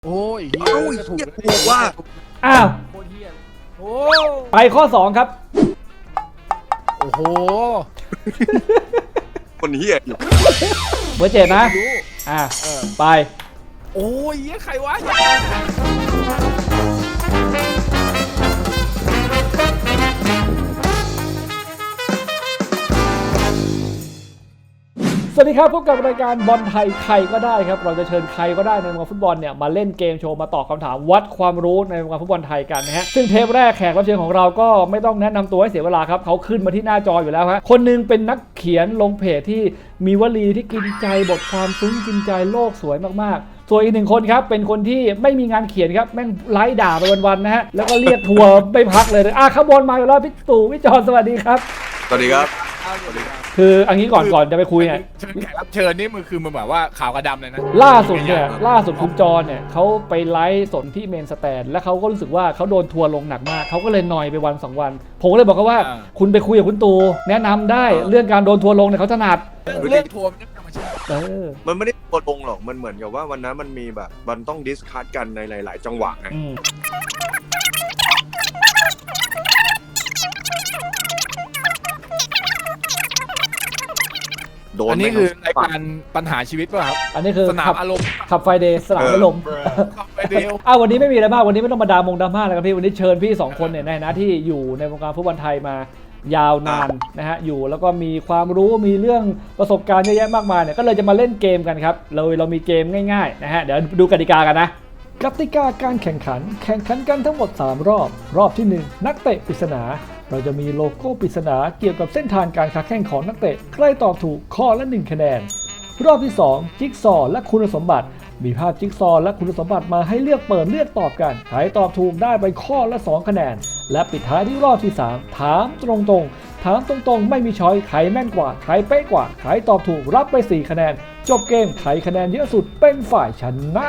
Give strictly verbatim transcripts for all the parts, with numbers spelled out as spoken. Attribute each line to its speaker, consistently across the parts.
Speaker 1: โอ้ยเฮีย
Speaker 2: เอ้า
Speaker 1: ก็ถูก
Speaker 2: เหี้ยถูกว่า
Speaker 3: อ้าว
Speaker 1: โคตรเฮียโอ้
Speaker 3: ไปข้อสองครับ
Speaker 1: โอ้โห
Speaker 2: คนเฮียอยู่
Speaker 3: เบอร์เจ็ดนะ
Speaker 1: รู้
Speaker 3: อ่า
Speaker 1: เออ
Speaker 3: ไป
Speaker 1: โอ้ยเฮียใครวะ
Speaker 3: สวัสดีครับพบกับรายการบอลไทยใครก็ได้ครับเราจะเชิญใครก็ได้ในวงการฟุตบอลเนี่ยมาเล่นเกมโชว์มาตอบคำถามวัดความรู้ในวงการฟุตบอลไทยกันนะฮะซึ่งเทปแรกแขกรับเชิญของเราก็ไม่ต้องแนะนำตัวให้เสียเวลาครับเขาขึ้นมาที่หน้าจออยู่แล้วฮะคนนึงเป็นนักเขียนลงเพจที่มีวลีที่กินใจบทความซึ้งกินใจโลกสวยมากๆส่วนอีกหนึ่งคนครับเป็นคนที่ไม่มีงานเขียนครับแม่งไล่ด่าไปวันๆนะฮะแล้วก็เรียกทัวร์ไม่พักเลยอ่ะขบวนมาอยู่แล้วพี่ตู่พี่จอนสวัสดีครับ
Speaker 2: สวัสดีครับ
Speaker 1: สวัสดีครับ
Speaker 3: คืออันนี้ก่อนก่อนจะไปคุยเนี่ย
Speaker 1: เชิญแขกรับเชิญนี่มันคือมันแบบว่าขาวกับดำเลยนะ
Speaker 3: ล่าสุดเนี่ยล่าสุดคุณจรเนี่ยเขาไปไลฟ์สดที่เมนสแตนแล้วเขาก็รู้สึกว่าเขาโดนทัวร์ลงหนักมากเขาก็เลยนอยไปวันสองวันผมก็เลยบอกเขาว่า คุณไปคุยกับคุณตูแนะนำได้เรื่องการโดนทัวร์ลงเนี่ยเขาถนัด
Speaker 1: เรื่องทัวร์มันธรรมชาติ
Speaker 3: เออ
Speaker 2: มันไม่ได้ตัวลงหรอกมันเหมือนกับว่าวันนั้นมันมีแบบมันต้องดิสคัสกันในหลาย ๆ จังหวะไง
Speaker 3: อืม
Speaker 2: โดน
Speaker 1: อันนี้
Speaker 2: ไม่
Speaker 1: คือ
Speaker 2: เ
Speaker 1: รายการปัญหาชีวิตป่ะครับ
Speaker 3: อันนี้คือ
Speaker 1: สนาม
Speaker 3: ขับ
Speaker 1: อารมณ์
Speaker 3: ขับไฟเดย์สนามไม่ลม
Speaker 1: ขับไปเดียว
Speaker 3: อ้าววันนี้ไม่มีอะไรมากวันนี้ไม่ต้องมาดามงดราม่าแล้วครับพี่วันนี้เชิญพี่สองคนเนี่ยในฐานะที่อยู่ในวงการฟุตบอลไทยมายาวนานนะฮะอยู่แล้วก็มีความรู้มีเรื่องประสบการณ์เยอะแยะมากมายเนี่ยก็เลยจะมาเล่นเกมกันครับเราเรามีเกมง่ายๆนะฮะเดี๋ยวดูกติกากันนะกติกาการแข่งขันแข่งขันกันทั้งหมดสามรอบรอบที่หนึ่งนักเตะปริศนาเราจะมีโลโก้ปริศนาเกี่ยวกับเส้นทางการค้าแข่งของนักเตะใครตอบถูกข้อละหนึ่งคะแนนรอบที่สองจิ๊กซอว์และคุณสมบัติมีภาพจิ๊กซอว์และคุณสมบัติมาให้เลือกเปิดเลือกตอบกันใครตอบถูกได้ไปข้อละสองคะแนนและปิดท้ายที่รอบที่สามถามตรงๆถามตรงๆไม่มีช้อยใครแม่นกว่าใครเป๊ะกว่าใครตอบถูกรับไปสี่คะแนนจบเกมใครคะแนนเยอะสุดเป็นฝ่ายชนะ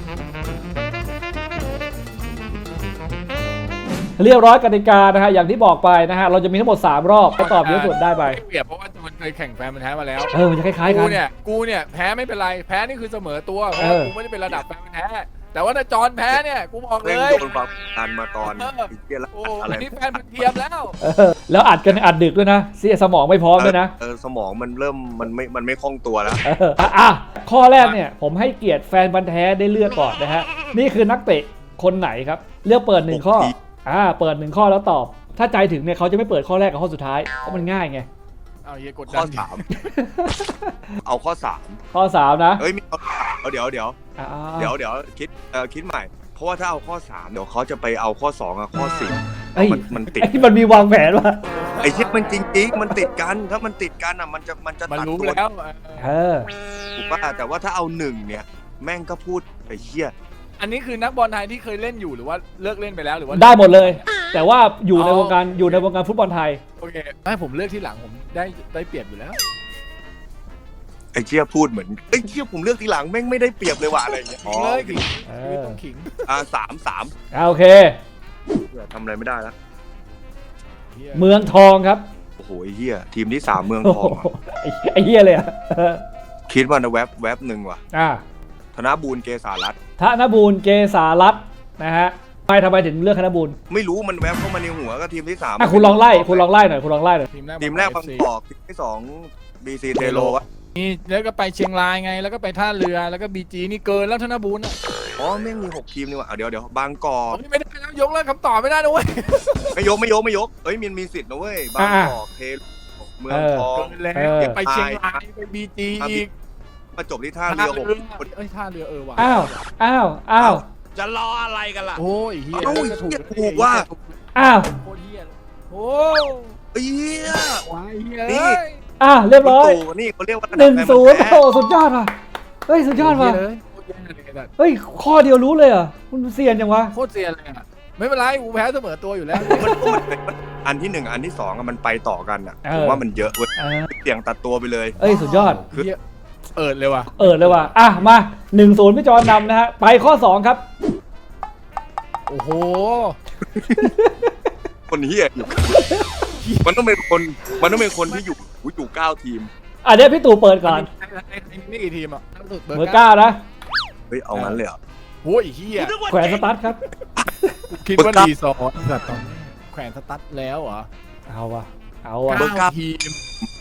Speaker 3: เรียบร้อยกติกานะฮะอย่างที่บอกไปนะฮะเราจะมีทั้งหมดสามรอบใครตอบเยอะสุดได้ไป
Speaker 1: เปรียบเพราะว่ามันเคยแข่งแฟนมันแท้มาแล้ว
Speaker 3: เออมันจะคล้ายๆกั
Speaker 1: กู
Speaker 3: น
Speaker 1: เนี่ยกูเนี่ยแพ้ไม่เป็นไรแพ้นี่คือเสมอตัวเพราะ
Speaker 3: เอ
Speaker 1: ว่า
Speaker 3: อ
Speaker 1: กูไม่ได้เป็นระดับแฟนมันแท้แต่ว่าถ้าจอนแพ้เนี่ยกูบอกเล
Speaker 2: ร่ง
Speaker 1: ย
Speaker 2: โดนความดันมาตอน
Speaker 1: เออ
Speaker 2: อีกเหี้ยแล้ว
Speaker 1: โอ้
Speaker 2: อะไร
Speaker 1: อันนี้แฟนมันเทียมแล้ว
Speaker 3: เออแล้วอัดกันอัดดึกด้วยนะเสียสมองไม่พร้อมด้วยนะ
Speaker 2: เออสมองมันเริ่มมันไม่มันไม่คล่องตัวแล้ว
Speaker 3: เอออ่ะอ่ะข้อแรกเนี่ยผมให้เกียรติแฟนบันธุ์แท้ได้เลือกก่อนนะฮะนี่คือนักเตะคนไหนครับเลือกเปิดหนึ่งข้ออ่าเปิดหนึ่งข้อแล้วตอบถ้าใจถึงเนี่ยเขาจะไม่เปิดข้อแรกกับข้อสุดท้ายเพราะมันง่ายไง
Speaker 1: เอาเฮียกด
Speaker 2: ข้
Speaker 1: ดั
Speaker 2: อน สามเอาข้อสาม
Speaker 3: ข้อสามนะ
Speaker 2: เอ้ยมีเอาเดี๋ยวเดี๋ยว
Speaker 3: อ่า
Speaker 2: เดี๋ยวเดี๋ยวคิดเออคิดใหม่ เพราะว่าถ้าเอาข้อสามเดี๋ยวเขาจะไปเอาข้อสองกับข้อสี่
Speaker 3: เอ้ย
Speaker 2: มันมันติด
Speaker 3: ไอ้มันมีวางแผนว่ะ
Speaker 2: ไอ้เชี่ยมันจริงๆมันติดกันถ้ามันติดกันอ่ะมันจะมันจะ
Speaker 1: มัน
Speaker 2: ตัด
Speaker 1: รู้
Speaker 2: ตัว
Speaker 1: แล้ว
Speaker 3: เออ
Speaker 2: ถูกป่ะแต่ว่าถ้าเอาหนึ่งเนี่ยแม่งก็พูดไอ้เชี่ย
Speaker 1: อันนี้คือนักบอลไทยที่เคยเล่นอยู่หรือว่าเลิกเล่นไปแล้วหรือว่า
Speaker 3: ได้หมดเลย แต่ว่าอยู่ในวงการอยู่ในวงการฟุตบอลไทย
Speaker 1: โอเคให้ผมเลือกที่หลังผมได้ได้เปรียบอยู่แล้ว
Speaker 2: ไอ้เชี่ยพูดเหมือนไอ้เชี่ยผมเลือกทีหลังแม่งไม่ได้เปรียบเลยว่ะอะไรอย่างเงี้ย
Speaker 1: ขิงเลยขิง
Speaker 3: เอ
Speaker 1: ชีวิต
Speaker 3: อ
Speaker 1: ต้องขิง
Speaker 2: อ่าสามสาม
Speaker 3: อ่าโอเค
Speaker 2: ทำอะไรไม่ได้แล้ว
Speaker 1: เหี้ย
Speaker 3: เมืองทองครับ
Speaker 2: โอ้โหไอ้เหี้ยทีมที่สามเมือง
Speaker 3: โอ้
Speaker 2: ท
Speaker 3: โห
Speaker 2: องอะ
Speaker 3: ไอ้ไอ้เหี้ยเลยอ่ะเออ
Speaker 2: คิดว่านะแวบแวบหนึ่งว่ะ
Speaker 3: อ่า
Speaker 2: ธนบูรณ์เกษารัตน์
Speaker 3: ธนบูรณ์เกษารัตน์นะฮะทำไมทำไมถึงเลือกธนบูรณ์
Speaker 2: ไม่รู้มันแวบเข้ามาในหัวก็ทีมที่สาม
Speaker 3: อ่ะคุณลองไล่คุณลองไล่หน่อยคุณลองไล่หน่อย
Speaker 1: ทีมแรก
Speaker 2: ทีมแรกบาง
Speaker 1: เอฟซี
Speaker 2: กอกทีมที่สองบีซีเทโลวะ
Speaker 1: นี่แล้วก็ไปเชียงรายไงแล้วก็ไปท่าเรือแล้วก็บีจีนี่เกินแล้วธนบูรณ์อ่ะ
Speaker 2: อ๋อแม่งมีหกทีมนี่ว่ะอ่ะเดี๋ยวเดี๋ยวบางกอ
Speaker 1: ผ
Speaker 2: ก
Speaker 1: มนี่ไม่ได้แล้วยกเลิกคำตอบไม่ได้นะเว้ย
Speaker 2: ไม่ยกไม่ยกไม่ยกเอ้ยมันมีสิทธิ์นะเว้ยบางกอกเทโลเมืองทอง
Speaker 1: เกินแล้วอย่าไปเชียงรายไปบีจีอีก
Speaker 2: มาจบที่ท่าเรือหก
Speaker 1: เอ้ยท่าเรือเออว่ะ
Speaker 3: อ้าวอ้าวอ้าว
Speaker 2: จะรออะไรกันล่ะ
Speaker 1: โอ้ยเฮีย
Speaker 2: เอ้า
Speaker 1: ก็ถูก
Speaker 2: เหี้ยถูกว่ะ
Speaker 3: อ้าว
Speaker 1: โคตรเฮียโอ้
Speaker 2: ไอ้เหี้ย
Speaker 1: ว้ายเฮีย
Speaker 2: นี่
Speaker 3: อ้าวเรียบร้อย
Speaker 2: ตู่นี่เขาเรียกว่า
Speaker 3: หนึ่งศูนย์
Speaker 2: แฟ
Speaker 3: โอ้โหสุดยอดว่ะเฮ้ยสุดยอดว่ะ
Speaker 1: เลยโคตรแย่เลยแบบ
Speaker 3: เฮ้ยข้อเดียวรู้เลยเหรอ่ะคุณเซียนยังวะ
Speaker 1: โคตรเสียเลยอ่ะไม่เป็นไรกูแพ้เสมอตัวอยู่แล้ว
Speaker 2: มันมันมันอันที่หนึ่งอันที่สองอะมันไปต่อกันอ่ะ
Speaker 3: เออ
Speaker 2: ผมว่ามันเยอะเว้ย
Speaker 3: เออ
Speaker 2: เสี่ยงตัดตัวไปเลย
Speaker 3: เอ้ยสุดยอด
Speaker 1: เฮียเอิดเลยว่ะ
Speaker 3: เออเลยว่ะอ่ะมาหนึ่งศูนย์พี่จอนนำนะฮะไปข้อสองครับ
Speaker 1: โอ้โห
Speaker 2: คนเฮียอยู่ มันต้องเป็นคน มันต้องเป็นคนที่อยู่อยู่เก้าทีม
Speaker 3: อ่ะเดี๋ยวพี่ตู่เปิดก่อน
Speaker 1: ไอ้ไอ้ไอ้นี่กี่ทีมอ่ะล่าสุด
Speaker 3: เบอร์เก้านะ
Speaker 2: เฮ้ย เอางั้นเลยเหรอ
Speaker 1: โโอ้ยเฮีย
Speaker 3: แขวนสตาร์ทครับ
Speaker 1: คิดว่ารีสอร์ทแต่ตอนนี้แขวนสตั๊ดแล้วเหรอ
Speaker 3: เอาวะเอาวะ
Speaker 1: เก้าทีม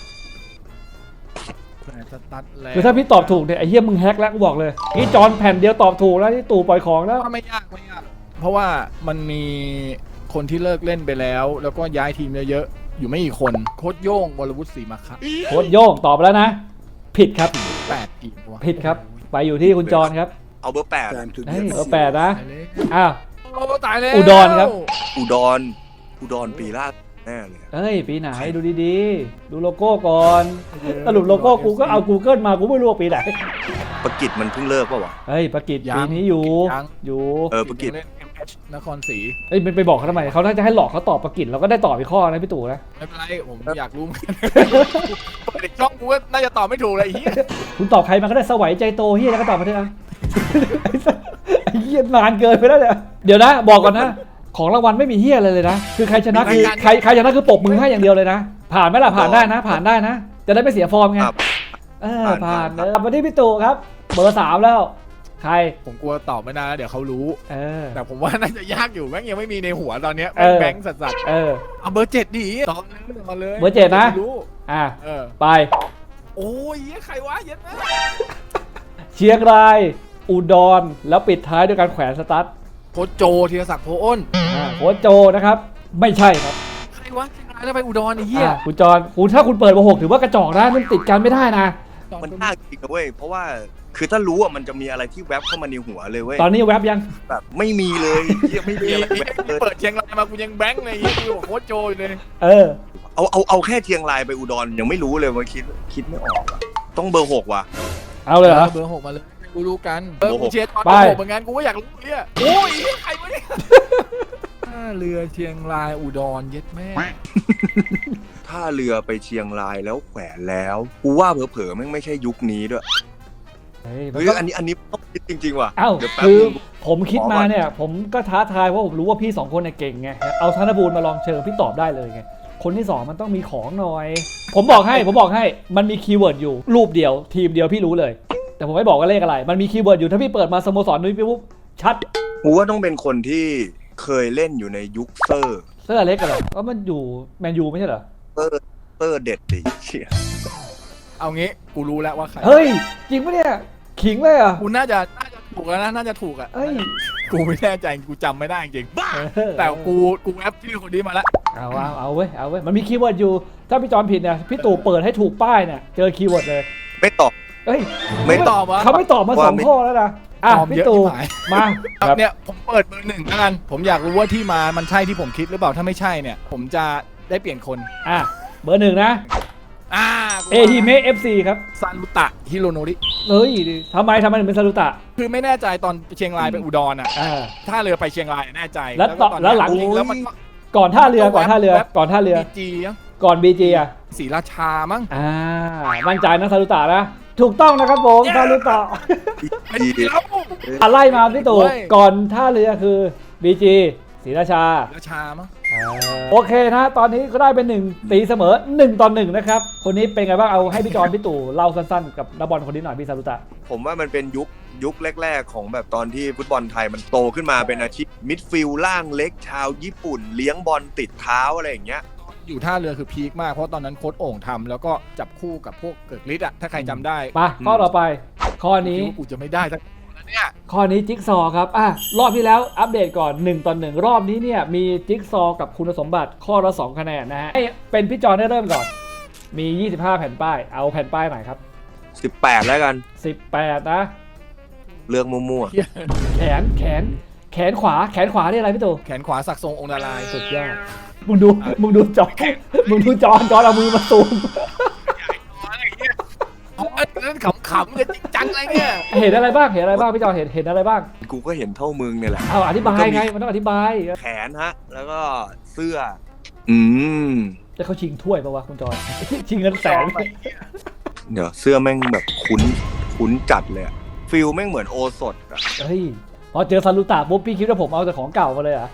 Speaker 1: แขวนสตั๊ดแล้ว
Speaker 3: คือถ้าพี่ตอบถูกเนี่ยไอ้เหี้ยมึงแฮกแล้วกูบอกเลยนี่จอนแผ่นเดียวตอบถูกแล้วที่ตู่ปล่อยของแล้ว
Speaker 1: ว่าไม่ยากไม่ยากเพราะว่ามันมีคนที่เลิกเล่นไปแล้ว แล้วก็ย้ายทีมเยอะๆอยู่ไม่กี่คนโค้ชโย่งวรวุฒิศรีมาคะ
Speaker 3: โค้ชโย่งตอบไปแล้วนะ ผิดครับ
Speaker 1: แปดทีมวะ
Speaker 3: ผิดครับ ไปอยู่ที่คุณจอนครับ
Speaker 2: เอาเบอร์แปด
Speaker 3: เฮ้ยเบอร์แปดนะ
Speaker 1: ตายเลย
Speaker 3: อ้าว
Speaker 1: โอ้ตายแล้ว
Speaker 3: อุดรครับ
Speaker 2: อุดรอุดรปีล่าแน่เลย
Speaker 3: เอ้ยปีไหนดูดีๆ ดูโลโก้ก่อนสรุปโลโก้กูก็เอา Google มากูไม่รู้ว่าปีไหน
Speaker 2: ประกิจมันเพิ่งเลิกป่าวะ
Speaker 3: เฮ้ยประกิตปีนี้อยู่
Speaker 1: ยัง
Speaker 3: อยู่
Speaker 2: เออประกิจ
Speaker 1: เล่น เอ็ม เอช นครศรี
Speaker 3: เอ้ยไปไปบอกเขาทำไมเขาน่าจะให้หลอกเขาตอบประกิตเราก็ได้ตอบอีกข้อนะพี่ตู่นะ
Speaker 1: ไม่เป็นไรผมอยากรู้เหมือนกันเปิดอีกช่องกูก็น่าจะตอบไม่ถูกเลยไอ้เหี้ย
Speaker 3: คุณตอบใครมาก็ได้สวัยใจโตเฮียแล้วก็ตอบมาเถอะ ไอ้เฮียนานเกินไปแล้วเนี่ยเดี๋ยวนะบอกก่อนนะของรางวัลไม่มีเฮียอะไรเลยนะคือใครชนะคือใครใครชนะคือปกมือให้อย่างเดียวเลยนะผ่านไหมล่ะผ่านได้นะ ผ่านได้นะ จะได้ไม่เสียฟอร์มไง
Speaker 2: ครับ
Speaker 3: เออผ่านเออมาที่พี่ตู่ครับ เบอร์สามแล้ว ใคร
Speaker 1: ผมกลัวตอบไม่ได้เดี๋ยวเขารู้
Speaker 3: เออ
Speaker 1: แต่ผมว่าน่าจะยากอยู่แม่งยังไม่มีในหัวตอนเนี้ย
Speaker 3: เออ
Speaker 1: แบงค์สัส
Speaker 3: เออ
Speaker 1: ๆเอาเบอร์เจ็ดดิตอบเลยตอบเลย
Speaker 3: เบอร์เจ็ดนะ
Speaker 1: ไม่รู้
Speaker 3: อ่ะ
Speaker 1: เออ
Speaker 3: ไป
Speaker 1: โอ้ยเหี้ยใครวะเหี้ย็ดแม่
Speaker 3: เชียงราย อุดรแล้วปิดท้ายด้วยการแขวนสตั๊ด
Speaker 1: โค้ชโจธีรศักดิ์โพอ้น
Speaker 3: อ่าโค้ชโจนะครับ ไม่ใช่ครับ
Speaker 1: ใครวะเชียงรายแล้วไปอุดรไอ้เหี้ย
Speaker 3: อ่ะคุณจอนคุณถ้าคุณเปิดเบอร์หกถือว่ากระจอกนะมันติดกันไม่ได้นะ
Speaker 2: มันยากจริงนะเว้ยเพราะว่าคือถ้ารู้อ่ะมันจะมีอะไรที่แวบเข้ามาในหัวเลยเว้ย
Speaker 3: ตอนนี้แว็บยัง
Speaker 2: แบบไม่มีเลยเหี้ยไม่มีอะไรแวบเลย
Speaker 1: เปิดเชียงรายมากูยังแบงค์เลยไอ้เหี้ยกูบอกโค้ชโจอยู่เลย
Speaker 3: เออ
Speaker 2: เอาเอาเอาแค่เชียงรายไปอุดรยังไม่รู้เลยว่าคิดคิดไม่ออกอะต้องเบอร์หกว่ะ
Speaker 3: เอาเลยเหรอ
Speaker 1: เบอร์หกมาเลยกูรู้กันเบอร์
Speaker 2: เบอร์ห
Speaker 1: กู
Speaker 2: ก
Speaker 1: เชียร์ตอน
Speaker 3: ไป
Speaker 1: เบอร์หกเหมือนกันกูก็อยากรู้เนี่ยโอ้ยเหี้ยใครวะเนี่ยท่าเรือเชียงรายอุดรเย็ดแม่
Speaker 2: ถ้าเรือไปเชียงรายแล้วแขวนแล้วกูว่าเผลอๆแม่งไม่ใช่ยุคนี้ด้วย
Speaker 3: เฮ้ยมัน
Speaker 2: เฮ้ย
Speaker 3: ก็
Speaker 2: อันนี้อันนี้ต้องคิดจริงๆว่ะ
Speaker 3: เอ้า
Speaker 2: เดี๋ยวแป๊บ
Speaker 3: คือ
Speaker 2: นึง
Speaker 3: ผมคิด
Speaker 2: ขอก่
Speaker 3: มา
Speaker 2: อน
Speaker 3: เนี่ย ผมก็ท้าทายเพราะผมรู้ว่าพี่สองคนเนี่ยเก่งไงเอาธนบูรณ์มาลองเชิญพี่ตอบได้เลยไงคนที่สองมันต้องมีของหน่อย ผมบอกให้ผมบอกให้มันมีคีย์เวิร์ดอยู่รูปเดียวทีมเดียวพี่รู้เลย แต่ผมไม่บอกว่าเลขอะไร มันมีคีย์เวิร์ดอยู่ถ้าพี่เปิดมาสโมสรนุ้ยปุ๊บชัด
Speaker 2: กูว่าต้องเป็นคนที่เคยเล่นอยู่ในยุคเซอร์
Speaker 3: เสื้อเล็กกันเหรอก็มันอยู่แมนยูไม่ใช่เหรอ
Speaker 2: เซอร์เซอร์เด็ดดิเชี่ย
Speaker 1: เอางี้กูรู้แล้วว่าใคร
Speaker 3: เฮ้ยจริงปะเนี่ยขิงเลยเหรอ่ะ
Speaker 1: กูน่าจะน่าจะถูกแล้วนะน่าจะถูกอ่ะ
Speaker 3: เอ้ย
Speaker 1: กูไม่แน่ใจกูจำไม่ได้จริงๆแต่กูกูแอปชื่อคนนี้มาแล้ว
Speaker 3: เอาเอาเอาเว้ยเอาเว้ยมันมีคีย์เวิร์ดอยู่ถ้าพี่จอนผิดเนี่ยพี่ตู่เปิดให้ถูกป้ายเนี่ยเจอคีย์เวิร์ดเลย
Speaker 2: ไม่ตอบ
Speaker 3: เอ้ย
Speaker 2: ไม่ตอบ
Speaker 1: ตอบวะ
Speaker 3: เขาไม่ตอบมาส
Speaker 2: ว่า
Speaker 3: อง
Speaker 2: ไม่
Speaker 3: ข้อแล้วนะอ่ะ
Speaker 1: ตอบ
Speaker 3: พี่
Speaker 1: เยอะ
Speaker 3: ตู่
Speaker 1: ชิบหาย
Speaker 3: มา
Speaker 1: ครับเนี่ยผมเปิดเบอร์หนึ่งแล้วกันผมอยากรู้ว่าที่มามันใช่ที่ผมคิดหรือเปล่าถ้าไม่ใช่เนี่ย ผมจะได้เปลี่ยนคน
Speaker 3: อ่ะเบอร์หนึ่งนะ
Speaker 1: อ่า
Speaker 3: เอฮิเมะเอฟซีครับ
Speaker 1: ซันบุตะฮิโรโนริ
Speaker 3: เฮ้ยทำไมทำไมถึงเป็นซารุตะ
Speaker 1: คือไม่แน่ใจตอนเชียงรายไปอุดรอ่ะ
Speaker 3: อ่า
Speaker 1: ถ้าเรือไปเชียงรายแน่ใจ
Speaker 3: แล้ว
Speaker 1: ก็ตอน
Speaker 3: แล้วหลัง
Speaker 1: จริงๆแล้วมัน
Speaker 3: ก่อนท่าเรือก่อนท่าเรือก่อนท่าเรือ
Speaker 1: บีจีอ่ะ
Speaker 3: ก่อนบีจีอ่ะ
Speaker 1: ศรีราชามั้ง
Speaker 3: อ่ามั่นใจนะซารุตะนะถูกต้องนะครับผมซารุตะ
Speaker 1: ไอ้เดียว
Speaker 3: อะไล่มาพี่ตู่
Speaker 1: เว้ย
Speaker 3: ก่อนท่าเรือคือบีจีศรีราชา
Speaker 1: ราชามั้ง
Speaker 3: โอเคนะตอนนี้ก็ได้เป็นหนึ่งตีเสมอหนึ่งต่อหนึ่งนะครับคนนี้เป็นไงบ้างเอาให้พี่จอนพี่ตู่เล่าสั้นๆกับนักบอลคนนี้หน่อยพี่ซารุตะ
Speaker 2: ผมว่ามันเป็นยุคยุคแรก ๆ ของแบบตอนที่ฟุตบอลไทยมันโตขึ้นมาเป็นอาชีพมิดฟิลด์ล่างเล็กชาวญี่ปุ่น เลี้ยงบอลติดเท้าอะไรอย่างเงี้ย
Speaker 1: อยู่ท่าเรือคือพีคมากเพราะตอนนั้นโค้ชโอ่งทำแล้วก็จับคู่กับพวกเกิดฤทธิ์อ่ะถ้าใครจำได้
Speaker 3: มาข้อต่อไป ข้อนี้
Speaker 1: คิดว่ากูจะไม่ได้สักแล้วเนี่ย
Speaker 3: ข้อนี้จิ๊กซอว์ครับอ่ะรอบที่แล้วอัปเดตก่อนหนึ่งต่อหนึ่งรอบนี้เนี่ยมีจิ๊กซอว์กับคุณสมบัติข้อละสองคะแนนนะฮะให้เป็นพี่จอนได้เริ่มก่อน มียี่สิบห้าแผ่นป้ายเอาแผ่นป้ายไหนครับ
Speaker 2: สิบแปดแล้วกัน
Speaker 3: สิบแปดนะ
Speaker 2: เรื่องมั่ว
Speaker 3: แขนแขนแขนขวาแขนขวานี่อะไรพี่ตู่
Speaker 1: แขนขวาสักทรงองค์ดาราย
Speaker 3: สุดยอดมึงดูมึงดูจอมึงดูจอนจอนเอามือมาซูม
Speaker 1: อะไรเงี้ยเอาเล่นขำๆเลยจริงจังอะไรเงี้ย
Speaker 3: เห็นอะไรบ้างเห็นอะไรบ้างพี่จอนเห็นเห็นอะไรบ้าง
Speaker 2: ๆกูก็เห็นเท่ามึงเนี่ยแหละ
Speaker 3: เอาอธิบายไงมันต้องอธิบาย
Speaker 2: แขนฮะ แล้วก็เสื้อ อืม
Speaker 3: จะเขาชิงถ้วยปะวะคุณจอน ชิงเงินแสน
Speaker 2: เดี๋ยวเสื้อแม่งแบบคุ้นคุ้นจัดเลยอะฟิลแม่งเหมือนโอสถอะ
Speaker 3: เฮ้ยพอเจอซารุตะปุ๊บพี่คิดว่าผมเอาแต่ของเก่ามาเลยเหรอ่ะ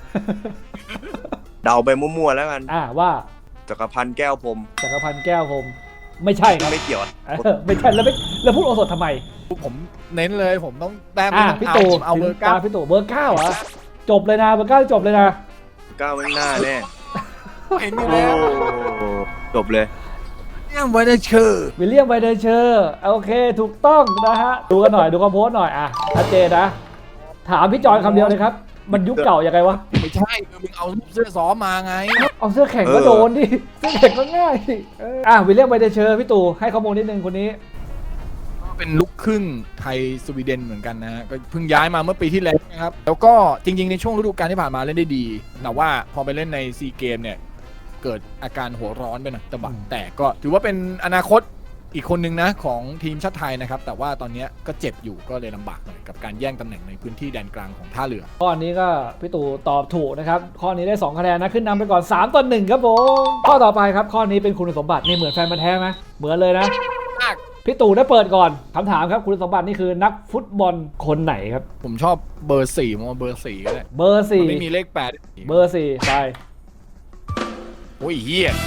Speaker 2: เดาไปมั่วๆแล้วกัน
Speaker 3: อ่าว่า
Speaker 2: จักรพันธ์แก้วพรหม
Speaker 3: จักรพันธ์แก้วพรหมไม่ใช่ครับ
Speaker 2: ไม่เกี่ยวอะ
Speaker 3: เออไม่ใช่แล้วไม่แล้วพูดโอสถทำไม
Speaker 1: ผมเน้นเลยผมต้องแต้ม
Speaker 3: อ่ะ
Speaker 1: ไม่
Speaker 3: พี่
Speaker 1: ต้อง
Speaker 3: ตู่
Speaker 1: เอาเอาเบอร์เก้า
Speaker 3: ถึงตพี่ตู่เบอร์เก้าเหรอจบเลยนะเบอร์เก้าจบเลยนะ
Speaker 2: ก้าวไม่หน้าแน่
Speaker 1: เห็นอยู่
Speaker 2: โอ้
Speaker 1: แล้ว
Speaker 2: จบเลย
Speaker 1: เนี่ยไว้ได้เชอร์
Speaker 3: วิลเลียมไวเดอร์เชอร์โอเคถูกต้องนะฮะดูกันหน่อยดูคำโพสต์หน่อยอ่ะชัดเจนนะถามพี่จอนคำเดียวเลยครับมันยุคเก่ายังไงวะ
Speaker 1: ไม่ใช่คือมึงเอาเสื้อซ้อมมาไง
Speaker 3: เอาเสื้อแข่งก็โดนดิเสื้อแข่งก็ง่ายดิเอออ่ะวิลเลียมไวเดอร์เชอร์พี่ตู่ให้ข้อมูลนิดนึงคนนี้
Speaker 1: เป็นลูกครึ่งไทยสวีเดนเหมือนกันนะฮะก็เพิ่งย้ายมาเมื่อปีที่แล้วนะครับแล้วก็จริงๆในช่วงฤดูกาลที่ผ่านมาเล่นได้ดี แต่ว่าพอไปเล่นในซีเกมเนี่ยเกิดอาการหัวร้อนไปหน่อยตะบักแต่ก็ถือว่าเป็นอนาคตอีกคนนึงนะของทีมชาติไทยนะครับแต่ว่าตอนนี้ก็เจ็บอยู่ก็เลยลำบากหน่อยกับการแย่งตำแหน่งในพื้นที่แดนกลางของท่าเรือ
Speaker 3: ข้อนี้ก็พี่ตู่ตอบถูกนะครับข้อนี้ได้สองคะแนนนะขึ้นนำไปก่อนสามต่อหนึ่งครับผมข้อต่อไปครับข้อนี้เป็นคุณสมบัตินี่เหมือนแฟนมันธุ์แท้ไหมเหมือนเลยนะพี่ตู่ได้เปิดก่อนคำถามครับคุณสมบัตินี่คือนักฟุตบอลคนไหนครับ
Speaker 1: ผมชอบเบอร์สี่ผมว่าเบอร์สี่ก็ได้
Speaker 3: เบอร์สี่
Speaker 1: มันไม่มีเลขแปด
Speaker 3: เบอร์สี่ไป
Speaker 1: โอ้ยเฮีย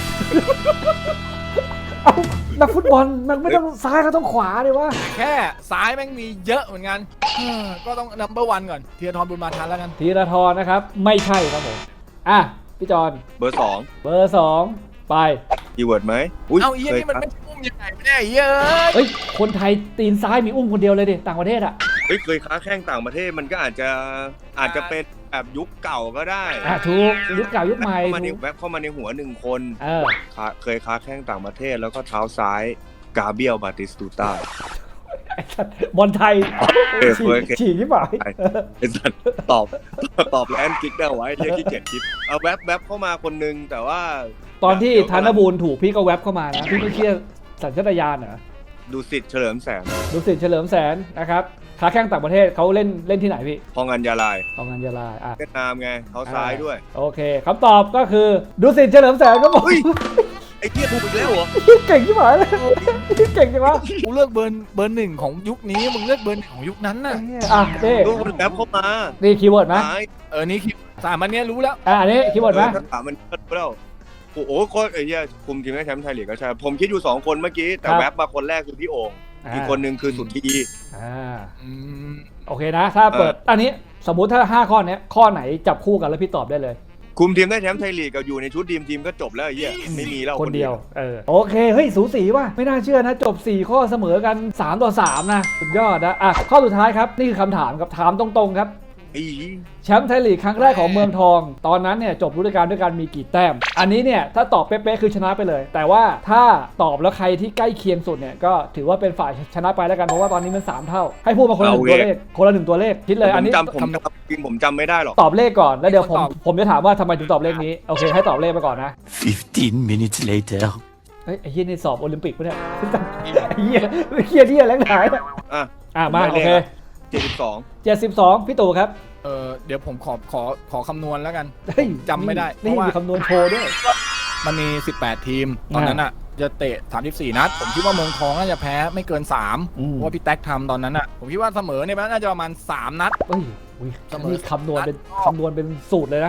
Speaker 3: เอ้านักฟุตบอลมันไม่ต้องซ้ายก็ต้องขวาดิวะ
Speaker 1: แค่ซ้ายแม่งมีเยอะเหมือนกันเออก็ต้องนัมเบอร์วันก่อนเทียทรบุญมาทันแล้วกัน
Speaker 3: ธีรทรนะครับไม่ใช่ครับผมอ่ะพี่จอน
Speaker 2: เบอร์สอง
Speaker 3: เบอร์สองไป
Speaker 2: คีย์เวิร์ดไหมย
Speaker 1: เอาเฮียนี่มันไม่อุ้มยังไงไม่ได้เฮียเอ้ย
Speaker 3: เอ้ยคนไทยตีนซ้ายมีอุ้มคนเดียวเลยดิต่างประเทศอ่ะ
Speaker 2: เฮ้ยเคยค้าแข่งต่างประเทศมันก็อาจจะอาจจะเป็นแบบยุคเก่าก็ได้
Speaker 3: อ่ะถูกยุคเก่ายุคใหม่
Speaker 2: เข้ามาใน
Speaker 3: ถูก
Speaker 2: แว็บเข้ามาในหัวหนึ่งคน
Speaker 3: เออ
Speaker 2: ค้าเคยค้าแข่งต่างประเทศแล้วก็เท้าซ้ายกาเบียลบาติสตูต้า
Speaker 3: ไอ้สัตว์บอลไทย
Speaker 2: เออ
Speaker 3: ฉี
Speaker 2: เคย
Speaker 3: ก
Speaker 2: เคย
Speaker 3: ฉีกที่หมาย
Speaker 2: ไอ้สัตว์ตอบตอบแลนด์กิ๊กได้ไว้เรียกขี้เกียจคิดเอาแว็บแว็บเข้ามาคนนึงแต่ว่า
Speaker 3: ตอนที่ธนบูรณ์ถูกพี่ก็แวบเข้ามานะพี่ไม่เชื่อสัญชาตญาณเหรอ
Speaker 2: ดูสิทธิ์เฉลิมแสน
Speaker 3: ดูสิเฉลิมแสนนะครับขาแข้งต่างประเทศเขาเล่นเล่นที่ไหนพี่
Speaker 2: พองอัญญาลาย
Speaker 3: ของงานยาลาอ่ะ
Speaker 2: เวียดนามไงเท้าซ้ายด้วย
Speaker 3: โอเคคำตอบก็คือดูสิเฉลิมแสนครับผม
Speaker 2: เฮ้ย ไอ้เหี้ยถูกอีกแล้วเหรอ
Speaker 3: เก่งที่หมายเลยเก่งจังวะ
Speaker 1: กูเลือกเบอร์เบอร์หนึ่งของยุคนี้มึงเลือกเบอร์หนึ่งของยุคนั้นน่ะ
Speaker 3: อ่ะนี่
Speaker 2: ดูมันแว็บเข้ามา
Speaker 3: นี่คีย์เวิร์ดไหม
Speaker 2: ซ้าย
Speaker 1: เออนี่คิดสามอันเนี้ยรู้แล้ว
Speaker 3: อ่ะอันนี้คีย์เวิร์ดไหม
Speaker 2: ถ้าถามมันก็แล้วโอ้โหโคตรไอ้เหี้ยคุมทีมได้แชมป์ไทยลีกก็ใช่ผมคิดอยู่สองคนเมื่อกี้แต่แว็บมาคนแรกคือพี่โอ่งอีกคนนึงคือสุทธี
Speaker 3: อ่า
Speaker 1: อืม
Speaker 3: โอเคนะ ถ้าเปิดอันนี้สมมุติถ้าห้าข้อเนี้ยข้อไหนจับคู่กันแล้วพี่ตอบได้เลย
Speaker 2: คุมทีมได้แชมป์ไทยลีกกับอยู่ในชุดทีมทีมก็จบแล้วไอ้เหี้ยไม่มีแล้ว
Speaker 3: คนเดียวเออโอเคเฮ้ยสูสีว่ะไม่น่าเชื่อนะจบสี่ข้อเสมอกันสามต่อสามนะสุดยอดนะอ่ะข้อสุดท้ายครับนี่คือคำถามครับถามตรงๆครับ
Speaker 2: ไอ้
Speaker 3: แชมป์ไทยลีกครั้งแรกของเมืองทอง ตอนนั้นเนี่ยจบฤดูกาลด้วยการมีกี่แต้ม อันนี้เนี่ยถ้าตอบเป๊ะๆคือชนะไปเลย แต่ว่าถ้าตอบแล้วใครที่ใกล้เคียงสุดเนี่ยก็ถือว่าเป็นฝ่ายชนะไปแล้วกันเพราะว่าตอนนี้มันสามเท่าให้พูดมาคนละหนึ่งตัวเลขคนละหนึ่งตัวเลขคิดเลย
Speaker 2: ผ
Speaker 3: อัน
Speaker 2: ม
Speaker 3: นี้
Speaker 2: จำผมจำจริงผมจำไม่ได้หรอก
Speaker 3: ตอบเลขก่อนแล้วเดี๋ยวผมผมจะถามว่าทำไมถึงตอบเลขนี้โอเคให้ตอบเลขไปก่อนนะ
Speaker 4: Fifteen minutes later.
Speaker 3: เฮ้ยไอ้เหี้ยนี่สอบโอลิมปิกปะเนี่ยไอ้เหี้ยเหี้ยเหี้ยแรงหาย
Speaker 2: อ่ะ
Speaker 3: อ่ะมาโอเค
Speaker 2: เจ็ดสิบสอง
Speaker 3: เจ็ดสิบสองพี่ตู่ครับ
Speaker 1: เออเดี๋ยวผมขอขอขอคำนวณแล้วกัน
Speaker 3: เฮ้ย
Speaker 1: จำไม่ได้เพ
Speaker 3: นี่
Speaker 1: ราะว่า
Speaker 3: มีคำนวณโชว์ด้วย
Speaker 1: มันมีสิบแปดทีม ตอนนั้นอ่ะจะเตะสามสิบสี่นัด ผมคิดว่าเมืองทองน่าจะแพ้ไม่เกินสาม
Speaker 3: อืม
Speaker 1: เพราะว่าพี่แท็กทำตอนนั้นอ่ะผมคิดว่าเสมอเนี่ยน่าจะประมาณสามนัด
Speaker 3: เฮ้ยอุ้ย
Speaker 1: เสมอ
Speaker 3: นี่คำนวณเป็นคำนวณเป็นสูตรเลยนะ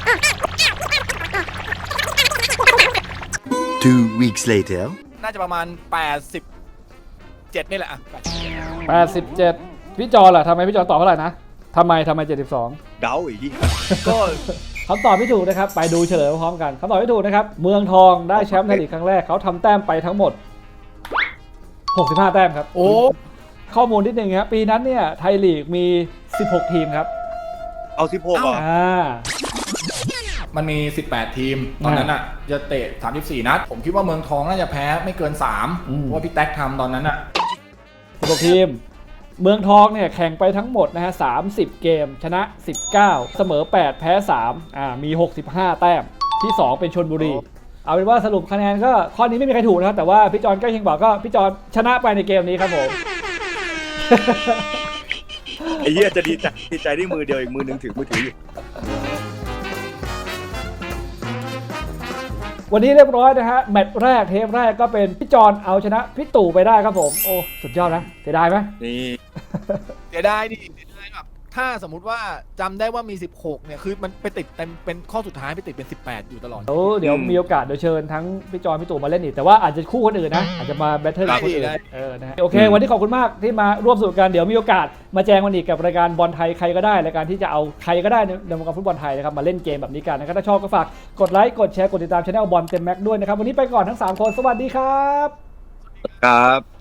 Speaker 4: Two weeks later.
Speaker 1: น่าจะประมาณแปดสิบเจ็ดนี่แหละอ่ะ
Speaker 3: แปดสิบเจ็ดพี่จอล่ะทำไมพี่จอตอบเท่าไหร่นะทำไมทำไมเจ็ดสิบสอง
Speaker 2: เดาอีกที่
Speaker 1: ก็
Speaker 3: คำตอบที่ถูกนะครับไปดูเฉลยพร้อมกันคำตอบที่ถูกนะครับเมืองทองได้แชมป์ไทยลีกครั้งแรกเขาทำแต้มไปทั้งหมดหกสิบห้าแต้มครับ
Speaker 1: โอ้
Speaker 3: ข้อมูลนิดนึงครับปีนั้นเนี่ยไทยลีกมีสิบหกทีมครับ
Speaker 2: เอาสิบหกอ่ะ
Speaker 3: อ่า
Speaker 1: มันมีสิบแปดทีม ตอนนั้นอ่ะจะเตะสามสิบสี่นัด ผมคิดว่าเมืองทองน่าจะแพ้ไม่เกินสามเพราะว่าพี่แท็กทำตอนนั้นอ่ะ
Speaker 3: สิบหกทีมเมืองทองเนี่ยแข่งไปทั้งหมดนะฮะสามสิบเกมชนะสิบเก้าเสมอแปดแพ้สามอ่ามีหกสิบห้าแต้มที่สองเป็นชลบุรี เอาเป็นว่าสรุปคะแนนก็ข้อนี้ไม่มีใครถูกนะครับแต่ว่าพี่จอนใกล้เคียงบอกก็พี่จอนชนะไปในเกมนี้ครับผม
Speaker 2: ไอ้เหี้ยจะดีใจดีใจด้วยมือเดียวอีกมือหนึงถือมือถืออยู่
Speaker 3: วันนี้เรียบร้อยนะฮะแมตช์แรกเทปแรกก็เป็นพี่จอนเอาชนะพี่ตู่ไปได้ครับผมโอ้สุดยอดนะเสียดายไหม
Speaker 2: นี่
Speaker 1: เสียดายดิเสียดายแบบถ้าสมมุติว่าจำได้ว่ามีสิบหกเนี่ยคือมันไปติดเต็มเป็นข้อสุดท้ายไปติดเป็นสิบแปดอยู่ตลอด
Speaker 3: เดี๋ยวเดี๋ยว
Speaker 2: อืม
Speaker 3: มีโอกาสเดี๋ยวเชิญทั้งพี่จอยพี่ตู่มาเล่นอีกแต่ว่าอาจจะคู่คนอื่นนะอาจจะมาแบทเทิลกับคนอื่น
Speaker 1: ได้
Speaker 3: เออนะฮะโอเค วันนี้ขอบคุณมากที่มาร่วมสนุกกันเดี๋ยวมีโอกาสมาแจงวันอีกกับรายการบอลไทยใครก็ได้รายการที่จะเอาใครก็ได้ในในวงการฟุตบอลไทยนะครับมาเล่นเกมแบบนี้กันนะครับถ้าชอบก็ฝากกดไลค์กดแชร์กดติดตามช่องบอลเต็มแม็กด้วยนะครับวันนี้ไปก่อนทั้งสามคนสวัสดีครับ
Speaker 2: ครับ